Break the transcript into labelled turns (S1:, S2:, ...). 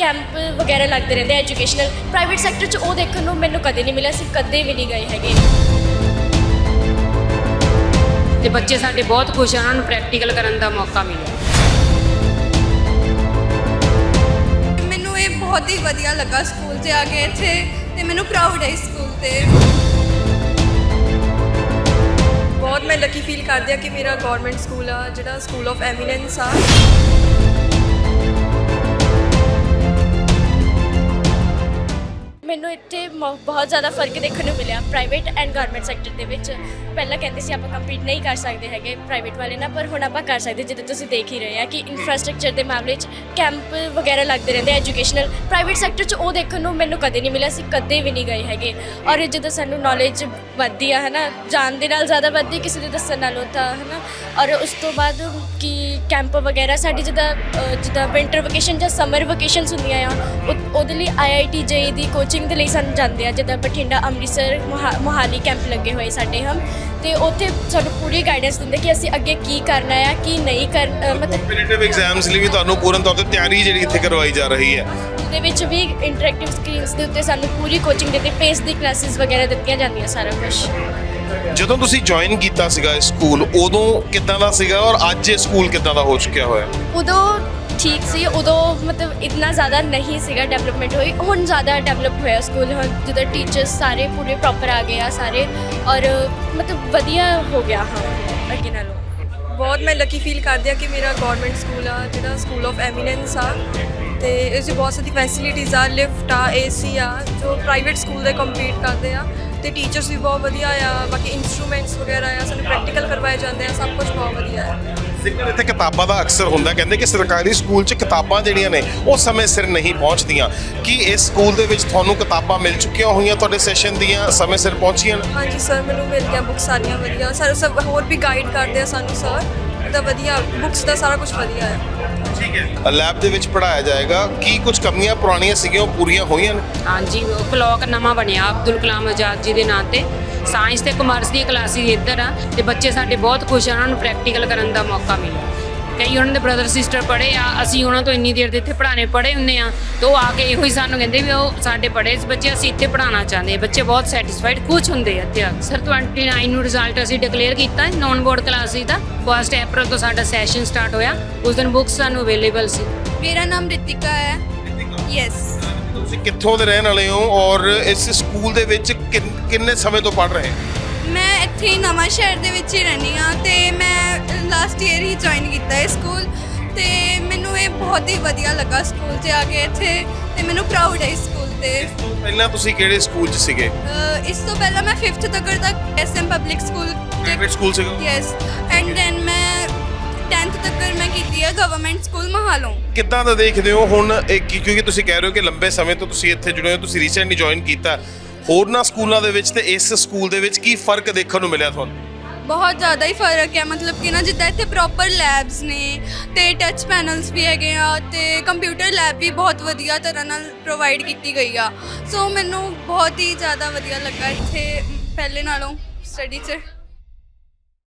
S1: Camp ਵਗੈਰਾ ਲੱਗਦੇ ਰਹਿੰਦੇ ਐਜੂਕੇਸ਼ਨਲ ਪ੍ਰਾਈਵੇਟ ਸੈਕਟਰ 'ਚ ਉਹ ਦੇਖਣ ਨੂੰ ਮੈਨੂੰ ਕਦੇ ਨਹੀਂ ਮਿਲਿਆ। ਅਸੀਂ ਕਦੇ ਵੀ ਨਹੀਂ ਗਏ ਹੈਗੇ।
S2: ਤੇ ਬੱਚੇ ਸਾਡੇ ਬਹੁਤ ਖੁਸ਼ ਹਨ, ਉਹਨਾਂ ਨੂੰ ਪ੍ਰੈਕਟੀਕਲ ਕਰਨ ਦਾ ਮੌਕਾ ਮਿਲਿਆ।
S3: ਮੈਨੂੰ ਇਹ ਬਹੁਤ ਹੀ ਵਧੀਆ ਲੱਗਾ ਸਕੂਲ 'ਚ ਆ ਕੇ ਇੱਥੇ, ਤੇ ਮੈਨੂੰ ਪ੍ਰਾਊਡ ਹੈ ਇਸ ਸਕੂਲ 'ਤੇ। ਬਹੁਤ ਮੈਂ ਲੱਕੀ ਫੀਲ ਕਰਦੀ ਹਾਂ ਕਿ ਮੇਰਾ ਗਵਰਨਮੈਂਟ ਸਕੂਲ ਆ ਜਿਹੜਾ ਸਕੂਲ ਆਫ ਐਮੀਨੈਂਸ ਆ।
S1: ਮੈਨੂੰ ਇੱਥੇ ਬਹੁਤ ਜ਼ਿਆਦਾ ਫਰਕ ਦੇਖਣ ਨੂੰ ਮਿਲਿਆ ਪ੍ਰਾਈਵੇਟ ਐਂਡ ਗਵਰਨਮੈਂਟ ਸੈਕਟਰ ਦੇ ਵਿੱਚ। ਪਹਿਲਾਂ ਕਹਿੰਦੇ ਸੀ ਆਪਾਂ ਕੰਪੀਟ ਨਹੀਂ ਕਰ ਸਕਦੇ ਹੈਗੇ ਪ੍ਰਾਈਵੇਟ ਵਾਲੇ ਨਾਲ, ਪਰ ਹੁਣ ਆਪਾਂ ਕਰ ਸਕਦੇ। ਜਿੱਦਾਂ ਤੁਸੀਂ ਦੇਖ ਹੀ ਰਹੇ ਆ ਕਿ ਇਨਫਰਾਸਟ੍ਰਕਚਰ ਦੇ ਮਾਮਲੇ 'ਚ ਕੈਂਪ ਵਗੈਰਾ ਲੱਗਦੇ ਰਹਿੰਦੇ ਐਜੂਕੇਸ਼ਨਲ ਪ੍ਰਾਈਵੇਟ ਸੈਕਟਰ 'ਚ ਉਹ ਦੇਖਣ ਨੂੰ ਮੈਨੂੰ ਕਦੇ ਨਹੀਂ ਮਿਲਿਆ। ਅਸੀਂ ਕਦੇ ਵੀ ਨਹੀਂ ਗਏ ਹੈਗੇ। ਔਰ ਜਦੋਂ ਸਾਨੂੰ ਨੌਲੇਜ ਵੱਧਦੀ ਆ ਹੈ ਨਾ, ਜਾਣ ਦੇ ਨਾਲ ਜ਼ਿਆਦਾ ਵੱਧਦੀ ਕਿਸੇ ਦੇ ਦੱਸਣ ਨਾਲੋਂ ਤਾਂ ਹੈ ਨਾ। ਔਰ ਉਸ ਤੋਂ ਬਾਅਦ ਕਿ ਕੈਂਪ ਵਗੈਰਾ ਸਾਡੀ ਜਿੱਦਾਂ ਵਿੰਟਰ ਵਕੇਸ਼ਨ ਜਾਂ ਸਮਰ ਵਕੇਸ਼ਨਸ ਹੁੰਦੀਆਂ ਆ, ਉਹਦੇ ਲਈ IIT JEE ਦੀ ਕੋਚਿੰਗ ਦੇ ਲਈ ਸਾਨੂੰ ਜਾਂਦੇ ਆ। ਜਿੱਦਾਂ ਬਠਿੰਡਾ, ਅੰਮ੍ਰਿਤਸਰ, ਮੋਹਾਲੀ ਕੈਂਪ ਲੱਗੇ ਹੋਏ ਸਾਡੇ ਹਨ, ਤੇ ਉੱਥੇ ਸਾਨੂੰ ਪੂਰੀ ਗਾਈਡੈਂਸ ਦਿੰਦੇ ਕਿ ਅਸੀਂ ਅੱਗੇ ਕੀ ਕਰਨਾ ਆ ਕੀ ਨਹੀਂ ਕਰਨਾ। ਮਤਲਬ
S4: ਕੰਪੀਟੀਟਿਵ ਐਗਜ਼ਾਮਸ ਲਈ ਵੀ ਤੁਹਾਨੂੰ ਪੂਰਨ ਤੌਰ ਤੇ ਤਿਆਰੀ ਜਿਹੜੀ ਇੱਥੇ ਕਰਵਾਈ ਜਾ ਰਹੀ ਹੈ।
S1: ਉਹਦੇ ਵਿੱਚ ਵੀ ਇੰਟਰੈਕਟਿਵ ਸਕਰੀਨਸ ਦੇ ਉੱਤੇ ਸਾਨੂੰ ਪੂਰੀ ਕੋਚਿੰਗ ਦਿੱਤੀ, ਪੇਸ ਦੀ ਕਲਾਸਿਸ ਵਗੈਰਾ ਦਿੱਤੀਆਂ ਜਾਂਦੀਆਂ ਸਾਰਾ ਕੁਝ।
S4: ਜਦੋਂ ਤੁਸੀਂ ਜੁਆਇਨ ਕੀਤਾ ਸੀਗਾ ਇਸ ਸਕੂਲ, ਉਦੋਂ ਕਿੱਦਾਂ ਦਾ ਸੀਗਾ ਔਰ ਅੱਜ ਇਹ ਸਕੂਲ ਕਿੱਦਾਂ ਦਾ ਹੋ ਚੁੱਕਿਆ ਹੋਇਆ?
S1: ਉਦੋਂ ਠੀਕ ਸੀ, ਉਦੋਂ ਮਤਲਬ ਇੰਨਾ ਜ਼ਿਆਦਾ ਨਹੀਂ ਸੀਗਾ ਡਿਵੈਲਪਮੈਂਟ ਹੋਈ। ਹੁਣ ਜ਼ਿਆਦਾ ਡਿਵੈਲਪ ਹੋਇਆ ਸਕੂਲ। ਹੁਣ ਜਿੱਦਾਂ ਟੀਚਰਸ ਸਾਰੇ ਪੂਰੇ ਪ੍ਰੋਪਰ ਆ ਗਏ ਆ ਸਾਰੇ, ਔਰ ਮਤਲਬ ਵਧੀਆ ਹੋ ਗਿਆ ਹਾਂ ਅੱਗੇ ਨਾਲੋਂ।
S3: ਬਹੁਤ ਮੈਂ ਲੱਕੀ ਫੀਲ ਕਰਦੀ ਹਾਂ ਕਿ ਮੇਰਾ ਗਵਰਨਮੈਂਟ ਸਕੂਲ ਆ ਜਿਹੜਾ ਸਕੂਲ ਆਫ ਐਮੀਨੈਂਸ ਆ, ਤੇ ਇਸ 'ਚ ਬਹੁਤ ਸਾਰੀ ਫੈਸਿਲਿਟੀਜ਼ ਆ, ਲਿਫਟ ਆ, AC ਆ, ਜੋ ਪ੍ਰਾਈਵੇਟ ਸਕੂਲ ਦੇ ਕੰਪੀਟ ਕਰਦੇ ਆ। ਤੇ ਟੀਚਰਸ ਵੀ ਬਹੁਤ ਵਧੀਆ ਆ, ਬਾਕੀ ਇਨਸਟਰੂਮੈਂਟਸ ਵਗੈਰਾ ਆ, ਸਾਨੂੰ ਪ੍ਰੈਕਟੀਕਲ ਕਰਵਾਏ ਜਾਂਦੇ ਆ, ਸਭ ਕੁਝ ਬਹੁਤ ਵਧੀਆ ਆ।
S4: ਜ਼ਿਕਰ ਇੱਥੇ ਕਿਤਾਬਾਂ ਦਾ ਅਕਸਰ ਹੁੰਦਾ, ਕਹਿੰਦੇ ਕਿ ਸਰਕਾਰੀ ਸਕੂਲ 'ਚ ਕਿਤਾਬਾਂ ਜਿਹੜੀਆਂ ਨੇ ਉਹ ਸਮੇਂ ਸਿਰ ਨਹੀਂ ਪਹੁੰਚਦੀਆਂ। ਕੀ ਇਸ ਸਕੂਲ ਦੇ ਵਿੱਚ ਤੁਹਾਨੂੰ ਕਿਤਾਬਾਂ ਮਿਲ ਚੁੱਕੀਆਂ ਹੋਈਆਂ, ਤੁਹਾਡੇ ਸੈਸ਼ਨ ਦੀਆਂ ਸਮੇਂ ਸਿਰ ਪਹੁੰਚੀਆਂ ਨੇ?
S3: ਹਾਂਜੀ ਸਰ, ਮੈਨੂੰ ਮਿਲ ਗਿਆ ਬੁੱਕਸ ਸਾਰੀਆਂ ਵਧੀਆ। ਸਰ ਸਭ ਹੋਰ ਵੀ ਗਾਈਡ ਕਰਦੇ ਆ ਸਾਨੂੰ ਸਰ, ਤਾਂ ਵਧੀਆ ਬੁੱਕਸ ਦਾ ਸਾਰਾ ਕੁਝ ਵਧੀਆ ਹੈ।
S4: ਠੀਕ ਹੈ। ਲੈਬ ਦੇ ਵਿੱਚ ਪੜ੍ਹਾਇਆ ਜਾਏਗਾ। ਕੀ ਕੁਝ ਕਮੀਆਂ ਪੁਰਾਣੀਆਂ ਸੀਗੀਆਂ ਉਹ ਪੂਰੀਆਂ ਹੋਈਆਂ ਨੇ?
S2: ਹਾਂਜੀ, ਉਹ ਬਲਾਕ ਨਵਾਂ ਬਣਿਆ ਅਬਦੁਲ ਕਲਾਮ ਆਜ਼ਾਦ ਜੀ ਦੇ ਨਾਂ ਤੇ। ਸਾਇੰਸ ਤੇ ਕਮਰਸ ਦੀਆਂ ਕਲਾਸਿਸ ਇੱਧਰ ਆ, ਤੇ ਬੱਚੇ ਸਾਡੇ ਬਹੁਤ ਖੁਸ਼ ਹਨ, ਉਹਨਾਂ ਨੂੰ ਪ੍ਰੈਕਟੀਕਲ ਕਰਨ ਦਾ ਮੌਕਾ ਮਿਲਿਆ। ਕਈ ਉਹਨਾਂ ਦੇ ਬ੍ਰਦਰ ਸਿਸਟਰ ਪੜ੍ਹੇ ਆ, ਅਸੀਂ ਉਹਨਾਂ ਤੋਂ ਇੰਨੀ ਦੇਰ ਦੇ ਇੱਥੇ ਪੜ੍ਹਾਣੇ ਪੜ੍ਹੇ ਹੁੰਦੇ ਆ, ਤਾਂ ਉਹ ਆ ਕੇ ਇਹੋ ਹੀ ਸਾਨੂੰ ਕਹਿੰਦੇ ਵੀ ਉਹ ਸਾਡੇ ਪੜ੍ਹੇ ਬੱਚੇ ਅਸੀਂ ਇੱਥੇ ਪੜ੍ਹਾਉਣਾ ਚਾਹੁੰਦੇ। ਬੱਚੇ ਬਹੁਤ ਸੈਟੀਸਫਾਈਡ ਖੁਸ਼ ਹੁੰਦੇ ਆ ਇੱਥੇ ਆ। ਸਰ 29 ਨੂੰ ਰਿਜ਼ਲਟ ਅਸੀਂ ਡਿਕਲੇਅਰ ਕੀਤਾ ਨੌਨ ਬੋਰਡ ਕਲਾਸਿਸ ਦਾ। 1 ਅਪ੍ਰੈਲ ਤੋਂ ਸਾਡਾ ਸੈਸ਼ਨ ਸਟਾਰਟ ਹੋਇਆ। ਉਸ ਦਿਨ ਬੁੱਕਸ ਸਾਨੂੰ ਅਵੇਲੇਬਲ ਸੀ।
S3: ਮੇਰਾ ਨਾਮ ਰਿਤਿਕਾ ਹੈ। ਯੈਸ।
S4: ਤੁਸੀਂ ਕਿੱਥੋਂ ਦੇ ਰਹਿਣ ਵਾਲੇ ਹੋ ਔਰ ਇਸ ਸਕੂਲ ਦੇ ਵਿੱਚ ਕਿੰਨੇ ਸਮੇਂ ਤੋਂ ਪੜ੍ਹ ਰਹੇ ਹੋ?
S3: ਮੈਂ ਇੱਥੇ ਹੀ ਨਵਾਂ ਸ਼ਹਿਰ ਦੇ ਵਿੱਚ ਹੀ ਰਹਿੰਦੀ ਹਾਂ, ਤੇ ਮੈਂ ਲਾਸਟ ਈਅਰ ਹੀ ਜੁਆਇਨ ਕੀਤਾ ਇਹ ਸਕੂਲ, ਤੇ ਮੈਨੂੰ ਇਹ ਬਹੁਤ ਹੀ ਵਧੀਆ ਲੱਗਾ ਸਕੂਲ 'ਚ ਆ ਕੇ ਇੱਥੇ, ਤੇ ਮੈਨੂੰ ਪ੍ਰਾਊਡ ਹੈ ਇਸ ਸਕੂਲ 'ਤੇ।
S4: ਇਸ ਤੋਂ ਪਹਿਲਾਂ ਤੁਸੀਂ ਕਿਹੜੇ ਸਕੂਲ 'ਚ ਸੀਗੇ?
S3: ਇਸ ਤੋਂ ਪਹਿਲਾਂ ਮੈਂ 5th ਤੱਕ SM public school
S4: private school ਸੀਗਾ?
S3: ਯੈਸ, ਐਂਡ ਦੈਨ ਮੈਂ 10th ਤੱਕ ਮੈਂ ਕੀਤੀ ਹੈ ਗਵਰਨਮੈਂਟ ਸਕੂਲ ਮਹਾਲੋਂ।
S4: ਕਿੱਦਾਂ ਦਾ ਦੇਖਦੇ ਹੋ ਹੁਣ ਕਿਉਂਕਿ ਤੁਸੀਂ ਕਹਿ ਰਹੇ ਹੋ ਕਿ ਲੰਬੇ ਸਮੇਂ ਤੋਂ ਤੁਸੀਂ ਇੱਥੇ ਜੁੜੇ ਹੋ, ਤੁਸੀਂ ਰੀਸੈਂਟਲੀ ਜੁਆਇਨ ਕੀਤਾ, ਹੋਰਨਾਂ ਸਕੂਲਾਂ ਦੇ ਵਿੱਚ ਤੇ ਇਸ ਸਕੂਲ ਦੇ ਵਿੱਚ ਕੀ ਫਰਕ ਦੇਖਣ ਨੂੰ ਮਿਲਿਆ ਤੁਹਾਨੂੰ?
S3: ਬਹੁਤ ਜ਼ਿਆਦਾ ਹੀ ਫਰਕ ਹੈ। ਮਤਲਬ ਕਿ ਨਾ, ਜਿੱਦਾਂ ਇੱਥੇ ਪ੍ਰੋਪਰ ਲੈਬਸ ਨੇ, ਤੇ ਟੱਚ ਪੈਨਲਸ ਵੀ ਹੈਗੇ ਆ, ਤੇ ਕੰਪਿਊਟਰ ਲੈਬ ਵੀ ਬਹੁਤ ਵਧੀਆ ਤਰ੍ਹਾਂ ਨਾਲ ਪ੍ਰੋਵਾਈਡ ਕੀਤੀ ਗਈ ਆ। ਸੋ ਮੈਨੂੰ ਬਹੁਤ ਹੀ ਜ਼ਿਆਦਾ ਵਧੀਆ ਲੱਗਾ ਇੱਥੇ ਪਹਿਲੇ ਨਾਲੋਂ ਸਟੱਡੀ 'ਚ।